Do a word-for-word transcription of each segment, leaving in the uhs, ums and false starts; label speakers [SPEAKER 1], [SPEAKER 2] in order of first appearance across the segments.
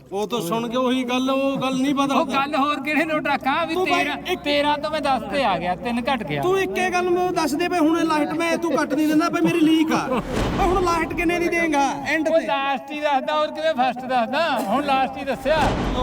[SPEAKER 1] ਉਹ ਤਾਂ ਸੁਣ ਕੇ ਉਹੀ ਗੱਲ ਉਹ ਗੱਲ ਨਹੀਂ
[SPEAKER 2] ਉਹ
[SPEAKER 1] ਬਦਲਦੀ।
[SPEAKER 2] ਗੱਲ ਹੋਰ ਕਿਹੜੇ ਨੋਟ ਰੱਖਾਂ ਵੀ ਤੇਰਾ ਤੇਰਾ ਤੋਂ ਮੈਂ ਦਸ ਤੇ ਆ ਗਿਆ ਤਿੰਨ ਘਟ ਗਿਆ।
[SPEAKER 1] ਤੂੰ ਇੱਕੇ ਗੱਲ ਮੈਨੂੰ ਦੱਸ ਦੇ ਬਈ ਹੁਣ ਲਾਈਟ ਮੈਂ ਤੂੰ ਕੱਟ ਨਹੀਂ ਦਿੰਦਾ ਬਈ ਮੇਰੀ ਲੀਕ ਆ। ਓਏ ਹੁਣ ਲਾਈਟ ਕਿੰਨੇ ਦੀ ਦੇਂਗਾ ਐਂਡ
[SPEAKER 2] ਉਹ
[SPEAKER 1] ਤੇ?
[SPEAKER 2] ਲਾਸਟ ਹੀ ਦੱਸਦਾ ਹੋਰ ਕਿਵੇਂ ਫਸਟ ਦੱਸਦਾ ਹੁਣ ਲਾਸਟ ਹੀ ਦੱਸਿਆ।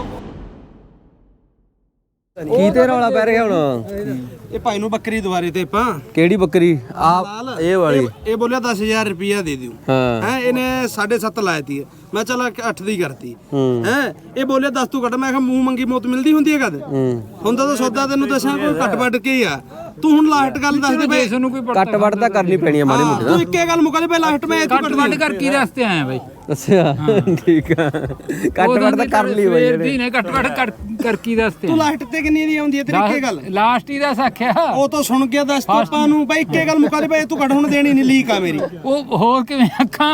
[SPEAKER 3] ਕੀ ਤੇ ਰੌਲਾ ਪੈ ਰਿਹਾ ਹੁਣ?
[SPEAKER 1] ਇਹ ਭਾਈ ਨੂੰ ਬੱਕਰੀ ਦੁਆਰੇ ਤੇ ਆਪਾਂ
[SPEAKER 3] ਕਿਹੜੀ ਬੱਕਰੀ? ਆ ਇਹ ਵਾਲੀ।
[SPEAKER 1] ਇਹ- ਇਹ ਬੋਲਿਆ ਦਸ ਹਜ਼ਾਰ ਰੁਪਇਆ ਦੇ ਦਿਓ
[SPEAKER 3] ਹਾਂ
[SPEAKER 1] ਹੈ। ਇਹਨੇ ਸਾਢੇ ਸੱਤ ਲਾਇਤੀ ਹੈ, ਮੈਂ ਚਲ ਅੱਠ ਦੀ ਕਰਤੀ
[SPEAKER 3] ਹੂੰ
[SPEAKER 1] ਹੈ। ਇਹ ਬੋਲਿਆ ਦਸ ਤੂੰ ਕੱਟ, ਮੈਂ ਕਿਹਾ ਮੂੰਹ ਮੰਗੀ ਮੌਤ ਮਿਲਦੀ ਹੁੰਦੀ ਹੈ ਕਦ?
[SPEAKER 3] ਹੂੰ
[SPEAKER 1] ਹੁੰਦਾ ਤਾਂ ਸੌਦਾ ਤੈਨੂੰ ਦੱਸਾਂ ਕੋਈ ਘੱਟ ਵੱਟ ਕੇ ਹੀ ਆ। ਤੂੰ ਹੁਣ ਲਾਸਟ ਗੱਲ ਦੱਸ ਦੇ ਬਈ।
[SPEAKER 2] ਤੁਹਾਨੂੰ ਕੋਈ
[SPEAKER 3] ਕੱਟ ਵੱਟ ਤਾਂ ਕਰਨੀ ਪੈਣੀ ਆ ਮਾੜੀ ਮੋਟੀ
[SPEAKER 1] ਤੂੰ ਇੱਕੇ ਗੱਲ ਮੁਕਾ ਦੇ ਬਈ ਲਾਸਟ ਮੈਂ ਤੂੰ
[SPEAKER 2] ਘੱਟ
[SPEAKER 1] ਕੱਟ
[SPEAKER 2] ਵੱਢ ਕਰ ਕੀ ਦੱਸਤੇ ਆਇਆ ਬਾਈ?
[SPEAKER 3] ਅੱਛਾ ਠੀਕ ਆ। ਕੱਟ ਵੱਟ ਤਾਂ ਕਰ ਲਈ ਬਈ
[SPEAKER 2] ਸਵੇਰ
[SPEAKER 3] ਇਹਨੇ।
[SPEAKER 2] ਦੀ ਨੇ ਘੱਟ ਵੱਢ ਕਰ ਕਰ ਕੀ ਦੱਸਤੇ?
[SPEAKER 1] ਤੂੰ ਲਾਸਟ ਤੇ ਕਿੰਨੀ ਦੀ ਆਉਂਦੀ ਹੈ ਤੇਰੀ ਇੱਕੇ ਗੱਲ?
[SPEAKER 2] ਲਾਸਟ ਹੀ ਦੱਸ ਆਖਿਆ।
[SPEAKER 1] ਉਹ ਤਾਂ ਸੁਣ ਗਿਆ ਦੱਸ ਤੂੰ ਆਪਾਂ ਨੂੰ ਬਈ ਇੱਕੇ ਗੱਲ ਮੁਕਾ ਦੇ ਬਈ ਤੂੰ ਕੱਟ ਹੁਣ ਦੇਣੀ ਨਹੀਂ ਲੀਕ ਆ ਮੇਰੀ।
[SPEAKER 2] ਉਹ ਹੋਰ ਕਿਵੇਂ ਆਖਾਂ?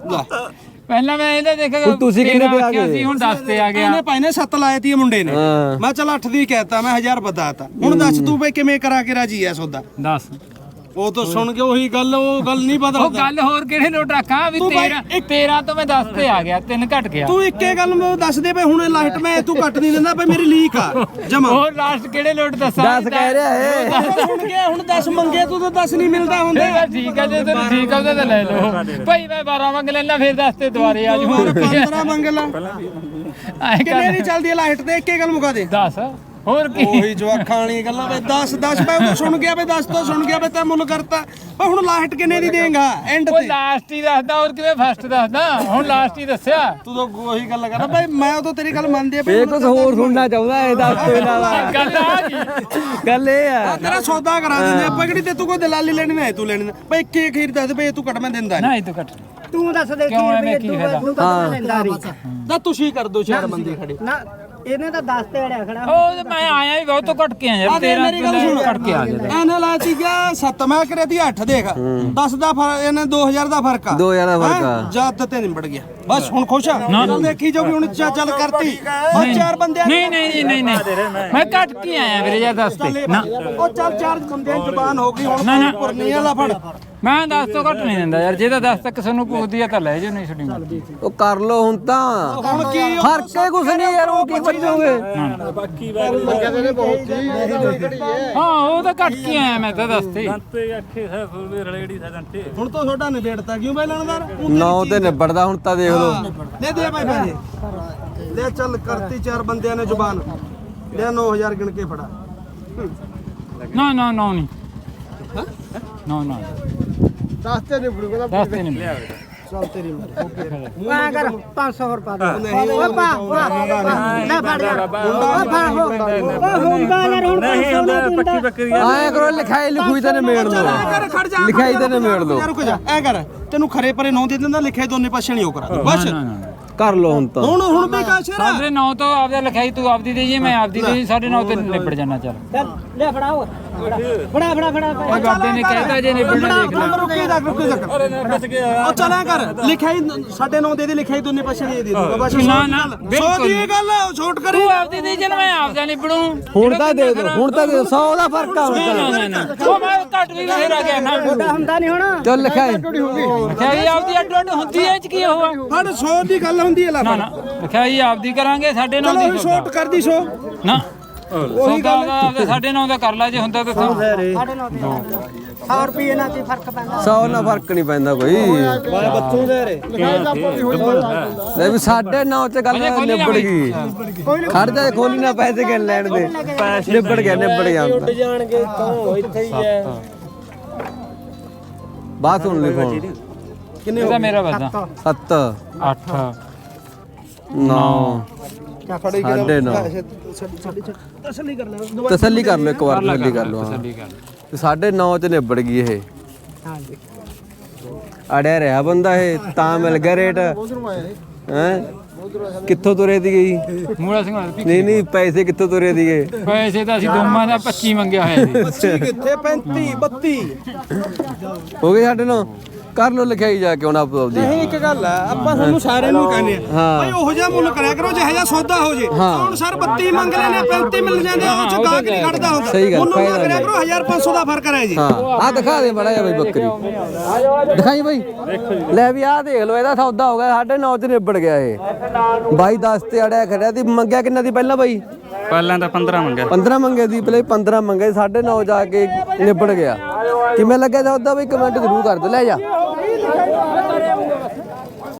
[SPEAKER 2] ਪਹਿਲਾਂ ਮੈਂ ਇਹਦਾ ਦੇਖਿਆ
[SPEAKER 3] ਹੁਣ ਤੁਸੀਂ ਕਿੰਨੇ ਤੇ ਆ
[SPEAKER 2] ਆਖਿਆ
[SPEAKER 3] ਗਏ?
[SPEAKER 2] ਸੀ ਹੁਣ ਦਸ ਤੇ ਆ ਗਿਆ।
[SPEAKER 1] ਇਹਨੇ ਭਾਈ ਨੇ ਸੱਤ ਲਾਏ ਤੀ ਮੁੰਡੇ ਨੇ।
[SPEAKER 3] ਹਾਂ।
[SPEAKER 1] ਮੈਂ ਚਲ ਅੱਠ ਦੀ ਕਹਿਤਾ, ਮੈਂ ਹਜ਼ਾਰ ਬਤਾਤਾ। ਹੁਣ ਦੱਸ ਤੂੰ ਬਈ ਕਿਵੇਂ ਕਰਾ ਕੇ ਰਾਜੀ ਐ ਸੌਦਾ?
[SPEAKER 2] ਦੱਸ
[SPEAKER 1] ਉਹ ਤਾਂ ਸੁਣ ਕੇ ਉਹੀ ਗੱਲ ਉਹ ਗੱਲ ਨਹੀਂ
[SPEAKER 2] ਉਹ
[SPEAKER 1] ਬਦਲਦੀ।
[SPEAKER 2] ਗੱਲ ਹੋਰ ਕਿਹੜੇ ਨੋਟ ਰੱਖਾਂ ਵੀ
[SPEAKER 1] ਤੂੰ ਬਾਈ
[SPEAKER 2] ਤੇਰਾ
[SPEAKER 1] ਇੱਕ-
[SPEAKER 2] ਤੇਰਾ ਤੋਂ ਮੈਂ ਦਸ ਤੇ ਆ ਗਿਆ ਤਿੰਨ ਘਟ ਗਿਆ।
[SPEAKER 1] ਤੂੰ ਇੱਕੇ ਗੱਲ ਮੈਨੂੰ ਦੱਸ ਦੇ ਬਈ ਹੁਣ ਲਾਈਟ ਮੈਂ ਤੂੰ ਕੱਟ ਨਹੀਂ ਦਿੰਦਾ ਬਈ ਮੇਰੀ ਲੀਕ ਆ ਜਮਾ।
[SPEAKER 2] ਹੋਰ ਲਾਸਟ ਕਿਹੜੇ ਨੋਟ ਦੱਸਾਂ?
[SPEAKER 3] ਦਸ ਕਹਿ ਰਿਹਾ ਇਹ।
[SPEAKER 1] ਸੁਣ ਗਿਆ ਹੁਣ ਦਸ ਮੰਗੇ ਤੂੰ ਤਾਂ ਦਸ ਨਹੀਂ ਮਿਲਦਾ ਹੁੰਦਾ।
[SPEAKER 2] ਫਿਰ ਠੀਕ ਹੈ ਜੇ ਤੈਨੂੰ ਠੀਕ ਆ ਉਹਦਾ ਤਾਂ ਲੈ ਲਓ ਭਾਈ। ਮੈਂ ਬਾਰਾਂ ਮੰਗ ਲੈਣਾ ਫਿਰ ਦਸ ਤੇ ਦੁਬਾਰੇ ਆ
[SPEAKER 1] ਹੋਰ
[SPEAKER 2] ਜੂ।
[SPEAKER 1] ਪੰਦਰਾਂ ਮੰਗ ਲਾ।
[SPEAKER 2] ਐ
[SPEAKER 1] ਕਿੰਨੇ ਦੀ
[SPEAKER 2] ਕਰ
[SPEAKER 1] ਚੱਲਦੀ ਹੈ ਲਾਈਟ ਤੇ? ਇੱਕੇ ਗੱਲ ਮੁਕਾ ਦੇ।
[SPEAKER 2] ਦਸ ਹੋਰ ਕੀ?
[SPEAKER 1] ਉਹੀ ਜਵਾਖਾਂ ਵਾਲੀ ਗੱਲਾਂ ਬਈ ਦਸ ਦਸ ਬਈ ਉਹ ਸੁਣ ਗਿਆ ਬਈ ਦਸ ਤੋਂ ਸੁਣ ਗਿਆ ਬਈ ਤੈਂ ਮੁੱਲ ਕਰਤਾ। ਬਈ ਹੁਣ ਲਾਈਟ ਕਿੰਨੇ ਦੀ ਦੇਂਗਾ ਐਂਡ
[SPEAKER 2] ਉਹ
[SPEAKER 1] ਤੇ?
[SPEAKER 2] ਲਾਸਟ ਹੀ ਦੱਸਦਾ ਹੋਰ ਕਿਵੇਂ ਫਸਟ ਦੱਸਦਾ ਹੁਣ ਲਾਸਟ ਹੀ ਦੱਸਿਆ।
[SPEAKER 1] ਤੂੰ ਤਾਂ ਉਹੀ ਗੱਲ ਕਰਦਾ ਬਈ ਮੈਂ ਉਦੋਂ ਤੇਰੀ ਗੱਲ ਮੰਨਦੀ ਆ ਬਈ
[SPEAKER 3] ਇਹ ਕੁਝ ਹੋਰ ਸੁਣਨਾ ਚਾਹੁੰਦਾ ਇਹ ਦੱਸ ਤੋਂ ਇਲਾਵਾ।
[SPEAKER 2] ਗੱਲ ਆ ਗਈ।
[SPEAKER 3] ਗੱਲ ਇਹ ਆ
[SPEAKER 1] ਆ ਤੇਰਾ ਸੌਦਾ ਕਰਾ ਦਿੰਦੇ ਆਪਾਂ ਕਿਹੜੀ ਤੇ ਤੂੰ ਕੋਈ ਦਲਾਲੀ ਲੈਣੀ ਨਾ ਤੂੰ ਲੈਣੀ ਨਾ ਬਈ ਇੱਕੇ ਖੀਰ ਦੱਸ ਦੇ ਬਈ ਤੂੰ ਕੱਟ ਮੈਂ ਦਿੰਦਾ
[SPEAKER 2] ਨਾ ਇਹ ਤੂੰ ਕੱਟ
[SPEAKER 4] ਤੂੰ ਦੱਸ ਦੇ
[SPEAKER 2] ਕਿਉਂ ਐਵੇਂ ਕੀ ਫਾਇਦਾ?
[SPEAKER 4] ਤੂੰ ਤਾਂ ਲੈਂਦਾ ਨਹੀਂ
[SPEAKER 1] ਤਾਂ ਤੁਸੀਂ ਕਰ ਦੋ ਚਾਰ ਬੰਦੇ ਖੜੇ।
[SPEAKER 4] ਨਾ ਇਹਨੇ ਤਾਂ ਦਸ ਤੇ ਅੜਿਆ ਖੜਾ।
[SPEAKER 2] ਉਹ ਤੇ ਮੈਂ ਆਇਆ ਵੀ ਬਹੁਤ ਘਟ ਕੇ ਆ ਯਾਰ।
[SPEAKER 1] ਆ ਦੇ
[SPEAKER 2] ਤੇਰਾ
[SPEAKER 1] ਮੇਰੀ ਗੱਲ ਸੁਣ
[SPEAKER 2] ਘਟ ਕੇ ਆ ਗਿਆ।
[SPEAKER 1] ਐਨੇ ਲਾ ਸੀ ਗਿਆ ਸੱਤ ਮੈਂ ਕਰਿਆ ਤੀ ਅੱਠ ਦੇਖ ਦਸ ਦਾ ਫਰਕ ਇਹਨੇ ਦੋ ਹਜ਼ਾਰ ਦਾ ਫਰਕ ਆ।
[SPEAKER 3] ਦੋ ਹਜ਼ਾਰ ਦਾ ਫਰਕ ਆ।
[SPEAKER 1] ਹੈਂ? ਜਦ ਤੇ ਨਿਬੜ ਗਿਆ ਬਸ ਹੁਣ ਖੁਸ਼ ਆ। ਚੱਲ ਦੇਖੀ ਜਾਊਗੀ ਹੁਣ ਚਾ ਚੱਲ ਕਰਤੀ ਬਸ ਚਾਰ ਬੰਦੇ
[SPEAKER 2] ਨਹੀਂ ਨਹੀਂ ਨਹੀਂ ਨਹੀਂ ਮੈਂ ਘਟ ਕੇ ਆਇਆ ਵੀਰੇ ਯਾਰ ਦਸ ਤੇ ਨਾ।
[SPEAKER 1] ਉਹ ਚੱਲ ਚਾਰ ਬੰਦਿਆਂ ਦੀ ਜ਼ੁਬਾਨ ਹੋ ਗਈ ਹੁਣ
[SPEAKER 2] ਨਾ, ਨਾ।
[SPEAKER 1] ਪੁਰਨੀ ਵਾਲਾ ਫੜ।
[SPEAKER 2] ਮੈਂ ਦਸ ਤੋਂ ਘੱਟ ਨਹੀਂ ਦਿੰਦਾ ਯਾਰ। ਜੇ ਤਾਂ ਦਸ ਤੱਕ ਸਾਨੂੰ ਪੁੱਛਦੀ ਆ ਤਾਂ ਲੈ ਜਾਓ ਨਹੀਂ ਛੱਡੀ ਮਰਜ਼ੀ।
[SPEAKER 3] ਉਹ ਕਰ ਲੋ ਹੁਣ ਤਾਂ।
[SPEAKER 1] ਹੁਣ ਕੀ ਉਹ
[SPEAKER 3] ਫਰਕੇ ਕੁਛ ਨਹੀਂ ਯਾਰ ਉਹ ਕੀ ਬਚੋਗੇ?
[SPEAKER 2] ਹਾਂ ਉਹ ਤਾਂ ਘਟ ਕੇ ਆਇਆ ਮੈਂ ਤਾਂ ਦਸ ਤੇ।
[SPEAKER 1] ਹੁਣ ਤਾਂ ਤੁਹਾਡਾ ਨਿਬੇੜਤਾ ਕਿਉਂ ਬਈ ਲੈਣਦਾਰ?
[SPEAKER 3] ਨੌ ਤੇ ਨਿਬੜਦਾ ਹੁਣ ਤਾਂ ਦੇਖ ਲੋ।
[SPEAKER 1] ਲੈ ਦੇ ਭਾਈ ਪੈਸੇ ਲੈ ਚੱਲ ਕਰਤੀ ਚਾਰ ਬੰਦਿਆਂ ਨੇ ਜ਼ੁਬਾਨ ਲੈ ਨੌ ਹਜ਼ਾਰ ਗਿਣ ਕੇ ਫੜਾ।
[SPEAKER 2] ਨਾ ਨਾ ਨਾ ਨਹੀਂ ਨਾ ਨਾ
[SPEAKER 1] ਦਸ ਤੇ ਨਿਬੜੂਗਾ
[SPEAKER 2] ਦਸ ਤੇ ਨਹੀਂ
[SPEAKER 1] ਚੱਲ ਤੇਰੀ ਮਾਰੀ।
[SPEAKER 4] ਆ ਕਰ ਪੰਜ ਸੌ ਰੁਪਏ ਦੇ ਓ ਪਾ ਲੈ ਫੜ ਜਾ ਓ ਫੜ ਹੋ ਓ ਹੁੰਦਾ ਯਾਰ ਹੁਣ ਪੰਜ ਸੌ ਨਹੀਂ ਪੱਕੀ ਪੱਕੀ
[SPEAKER 3] ਆਏ ਕਰੋ ਲਿਖਾਈ ਲਿਖੂਈ ਤੇ ਨਿਬੇੜ ਲੋ।
[SPEAKER 1] ਕਰ ਖੜ ਜਾ
[SPEAKER 3] ਲਿਖਾਈ ਤੇ ਨਿਬੇੜ ਲੋ।
[SPEAKER 1] ਯਾਰ ਰੁਕ ਜਾ ਐ ਕਰ ਤੈਨੂੰ ਖਰੇ ਪਰੇ ਨੌ ਦੇ ਦਿੰਦਾ ਲਿਖਿਆ ਦੋਨੇ ਪਾਸੇ ਨਹੀਂ ਉਹ ਕਰਾ ਬਸ।
[SPEAKER 2] ਨਾ ਨਾ
[SPEAKER 3] ਕਰ ਲੋ ਹੁਣ ਤਾਂ।
[SPEAKER 1] ਹੁਣ ਹੁਣ ਵੀ ਕਾਸ਼ਰ
[SPEAKER 2] ਸਾਡੇ ਨੌ ਤੋਂ ਆਪਦਾ ਲਿਖਾਈ ਤੂੰ ਆਪਦੀ ਦੇ ਜੀ ਮੈਂ ਆਪਦੀ ਦੇ ਜੀ ਸਾਡੇ ਨੌ ਤੇ ਨਿਬੜ ਜਾਣਾ ਚੱਲ।
[SPEAKER 4] ਲੈ ਫੜਾਓ ਫੜਾ ਫੜਾ ਫੜਾ
[SPEAKER 2] ਉਹ ਬਾਬੇ ਨੇ ਕਹਿਤਾ ਜੇ ਨਿਬੜਨਾ ਦੇਖ ਲੈ।
[SPEAKER 1] ਰੁਕੀ ਜਾ ਰੁਕੀ ਜਾ ਉਹ ਚੱਲਿਆ ਕਰ ਲਿਖਾਈ ਸਾਡੇ ਨੌ ਦੇ ਦੇ ਲਿਖਾਈ ਦੋਨੇ ਪਾਸੇ ਨਹੀਂ ਦੇ ਦੂੰਗਾ ਬਸ।
[SPEAKER 2] ਨਾ ਨਾ
[SPEAKER 1] ਸੌ
[SPEAKER 2] ਬਿਲਕੁਲ
[SPEAKER 1] ਦੀ ਇਹ ਗੱਲ ਛੋਟ ਕਰੀ।
[SPEAKER 2] ਤੂੰ ਆਪਦੀ ਦੇ ਜੀ ਮੈਂ ਆਪਦਾ ਨਿਬੜੂ।
[SPEAKER 3] ਹੁਣ ਤਾਂ ਦੇ ਦੋ ਹੁਣ ਤਾਂ ਦੇ ਦੋ। ਸੌ ਦਾ ਫਰਕ ਆ ਹੁਣ
[SPEAKER 2] ਨਾ
[SPEAKER 3] ਤਾਂ।
[SPEAKER 2] ਨਾ ਨਾ ਉਹ ਮੈਂ ਘੱਟ ਵੀ ਫੇਰ ਆ ਗਿਆ ਨਾ।
[SPEAKER 4] ਛੋਟਾ ਹੁੰਦਾ ਨਹੀਂ ਹੁਣ
[SPEAKER 3] ਚੱਲ ਲਿਖਾਈ।
[SPEAKER 2] ਲਿਖਾਈ ਆਪਦੀ ਅੱਡ ਅੱਡ ਹੁੰਦੀ ਐ ਚ ਕੀ ਹੋਆ?
[SPEAKER 1] ਫੜ ਸੌ ਦੀ ਗੱਲ ਹੁੰਦੀ ਹੈ ਲਾ
[SPEAKER 2] ਨਾ ਨਾ ਲਿਖਾਈ ਆਪਦੀ ਕਰਾਂਗੇ ਸਾਡੇ ਨੌ
[SPEAKER 1] ਚਲੋ
[SPEAKER 2] ਦੀ
[SPEAKER 1] ਛੋਟ ਕਰਦੀ ਸੌ।
[SPEAKER 2] ਨਾ ਉਹੀ ਗੱਲ ਆਪਦੇ ਸਾਡੇ ਨੌ ਦਾ ਕਰ ਲੈ ਜੇ ਹੁੰਦਾ ਤਾਂ ਤੂੰ।
[SPEAKER 4] ਸਾਡੇ ਨੌ ਤੇ ਸੌ ਰੁਪਏ ਨਾਲ ਕੀ ਫਰਕ ਪੈਂਦਾ?
[SPEAKER 3] ਸੌ ਨਾਲ ਫਰਕ ਨਹੀਂ ਪੈਂਦਾ ਕੋਈ।
[SPEAKER 1] ਬੱਚੂ ਦੇ ਰੇ
[SPEAKER 3] ਲੈ ਵੀ ਸਾਢੇ ਨੌ ਚ ਗੱਲ ਨਿਬੜ ਗਈ। ਖੜ ਜਾ ਖੋਲੀ ਨਾ ਪੈਸੇ ਕਿੰਨ ਲੈਣ ਦੇ। ਨਿਬੜ ਗਿਆ ਨਿਬੜ ਗਿਆ ਹੁਣ ਤਾਂ।
[SPEAKER 4] ਜਾਣਗੇ ਕੌਣ ਇੱਥੇ ਹੀ ਹੈ
[SPEAKER 3] ਬਾਤ ਸੁਣ ਲਈ ਫੋਨ।
[SPEAKER 1] ਕਿੰਨੇ
[SPEAKER 2] ਇਹਦਾ ਮੇਰਾ ਵਾਦਾ
[SPEAKER 3] ਸੱਤ
[SPEAKER 2] ਅੱਠ
[SPEAKER 3] ਨੌ ਸਾਢੇ ਨੌ।
[SPEAKER 1] ਤਸੱਲੀ ਕਰ ਲੈ
[SPEAKER 3] ਤਸੱਲੀ ਕਰ ਲਓ ਇੱਕ ਵਾਰ ਤਸੱਲੀ ਕਰ ਲਓ। ਹਾਂ
[SPEAKER 2] ਤਸੱਲੀ ਕਰ
[SPEAKER 3] ਤੇ ਸਾਢੇ ਨੌ ਚ ਨਿਬੜ ਗਈ ਇਹ।
[SPEAKER 4] ਹਾਂਜੀ
[SPEAKER 3] ਅੜਿਆ ਰਿਹਾ ਬੰਦਾ ਇਹ ਤਾਂ ਮਿਲ ਗਿਆ ਰੇਟ। ਹੈ ਕਿੱਥੋਂ ਤੁਰੇ ਦੀ ਗਈ?
[SPEAKER 2] ਮੂਲਾ ਸਿੰਘ ਵਾਲਾ
[SPEAKER 3] ਨਹੀਂ ਨਹੀਂ ਪੈਸੇ ਕਿੱਥੋਂ ਤੁਰੇ ਦੀਏ?
[SPEAKER 2] ਪੈਸੇ ਤਾਂ ਅਸੀਂ ਦੋਵਾਂ ਦਾ ਪੱਚੀ ਮੰਗਿਆ ਹੋਇਆ ਸੀ।
[SPEAKER 1] ਕਿੱਥੇ ਪੈਂਤੀ ਬੱਤੀ
[SPEAKER 3] ਹੋ ਗਏ ਸਾਡੇ ਨੌ। ਕਰ ਲੋ ਲਿਖਾਈ ਜਾ ਕੇ ਹੁਣ ਆਪ ਆਪਦੀ
[SPEAKER 1] ਨਹੀਂ ਇੱਕ ਗੱਲ ਆ ਆਪਾਂ ਤੁਹਾਨੂੰ ਸਾਰਿਆਂ ਨੂੰ ਕਹਿੰਦੇ ਆ
[SPEAKER 3] ਹਾਂ।
[SPEAKER 1] ਭਾਈ ਉਹੋ ਜਿਹਾ ਮੁੱਲ ਕਰਿਆ ਕਰੋ ਜਿਹੋ ਜਿਹਾ ਸੌਦਾ ਹੋ ਜੇ ਹੁਣ ਸਰ ਬੱਤੀ ਮੰਗ ਲੈਣੇ ਪੈਂਤੀ ਮਿਲ ਜਾਂਦੇ ਉਹ ਚ ਗਾਹਕ ਨਹੀਂ ਖੜਦਾ ਹੁੰਦਾ
[SPEAKER 3] ਸਹੀ ਗੱਲ,
[SPEAKER 1] ਮੁੱਲ ਨਾ
[SPEAKER 3] ਫਾਇਦਾ
[SPEAKER 1] ਕਰਿਆ ਕਰੋ ਹਜ਼ਾਰ ਪੰਜ ਸੌ ਦਾ ਫਰਕ ਹੈ ਜੀ
[SPEAKER 3] ਹਾਂ ਆ ਦਿਖਾ ਦੇ ਬੜਾ ਜਿਹਾ ਬਈ ਬੱਕਰੀ ਦਿਖਾਈ ਬਈ ਲੈ ਵੀ ਆਹ ਦੇਖ ਲੋ ਇਹਦਾ ਸੌਦਾ ਹੋ ਗਿਆ ਸਾਢੇ ਨੌ ਚ ਨਿਬੜ ਗਿਆ ਇਹ ਬਾਈ ਦਸ ਤੇ ਅੜਿਆ ਖੜਿਆ ਦੀ ਮੰਗਿਆ ਕਿੰਨਾ ਦੀ ਪਹਿਲਾਂ ਬਾਈ
[SPEAKER 5] ਪਹਿਲਾਂ ਤਾਂ ਪੰਦਰਾਂ ਮੰਗਿਆ
[SPEAKER 3] ਪੰਦਰਾਂ ਮੰਗੇ ਦੀ ਪਹਿਲੇ ਪੰਦਰਾਂ ਮੰਗੇ ਸਾਢੇ ਨੌ ਜਾ ਕੇ ਨਿਬੜ ਗਿਆ ਕਿਵੇਂ ਲੱਗਿਆ ਸੌਦਾ ਬਈ ਕਮੈਂਟ ਜ਼ਰੂਰ ਕਰ ਦਿਓ ਲੈ ਜਾ